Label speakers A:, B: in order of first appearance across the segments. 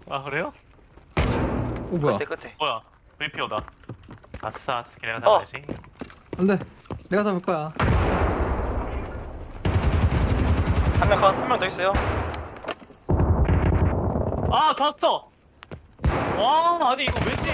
A: 아 그래요?
B: 뭐야?
C: 끝에.
A: 뭐야? VPO다. 아싸, 스킬 내가
C: 어.
A: 잡아야지.
B: 안돼. 내가 잡을 거야.
C: 한 명 더 있어요.
A: 아, 졌어! 와, 아니 이거 왠지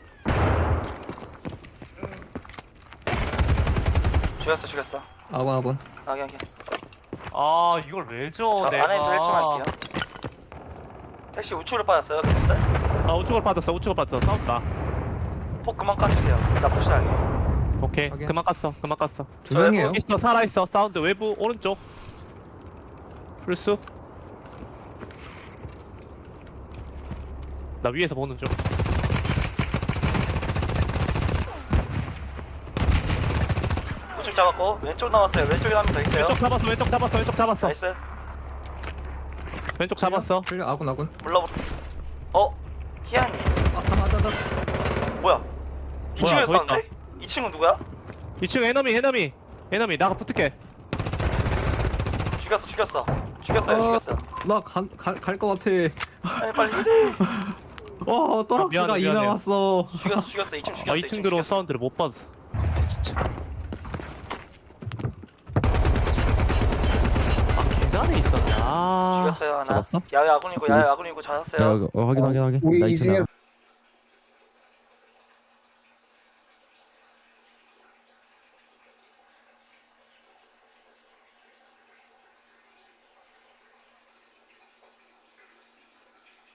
C: 죽였어.
B: 아군.
C: 여기.
A: 아 이걸 왜 줘?
C: 저
A: 내가.
C: 안에서 1층 할게요. 택시 우측으로 빠졌어요. 근데
A: 아 우측으로 빠졌어. 싸운다.
C: 폭 그만 까주세요. 나 푸시하게.
A: 오케이,
B: 확인.
A: 그만 깠어.
B: 두 명이에요.
A: 있어, 살아있어. 사운드 외부 오른쪽. 풀수. 나 위에서 보는 중.
C: 우측 잡았고 왼쪽 남았어요. 왼쪽에 한 명 더 있어요.
A: 왼쪽 잡았어.
C: 나이스.
A: 왼쪽 잡았어.
B: 틀려. 아군.
C: 불러. 희한이. 뭐야? 이
A: 뭐야,
C: 친구에
A: 더 있다.
C: 싸는데? 이 친구 누구야?
A: 2층 에너미. 나가 붙을게.
C: 죽였어.
B: 나갈 것 같아.
C: 빨리.
B: 또락스가
A: 미안해,
B: 2
A: 미안해.
B: 나왔어.
C: 죽였어. 2층 죽였어.
A: 아 2층 들어온 사운드를 못 받았어. 진짜. 아 계단에 있었네. 아.
C: 죽였어요 하나.
D: 잡았어?
C: 야외 아군이고 잡았어요.
D: 야, 확인.
E: 우리
D: 나
E: 이
D: 이층
E: 중에
D: 나가.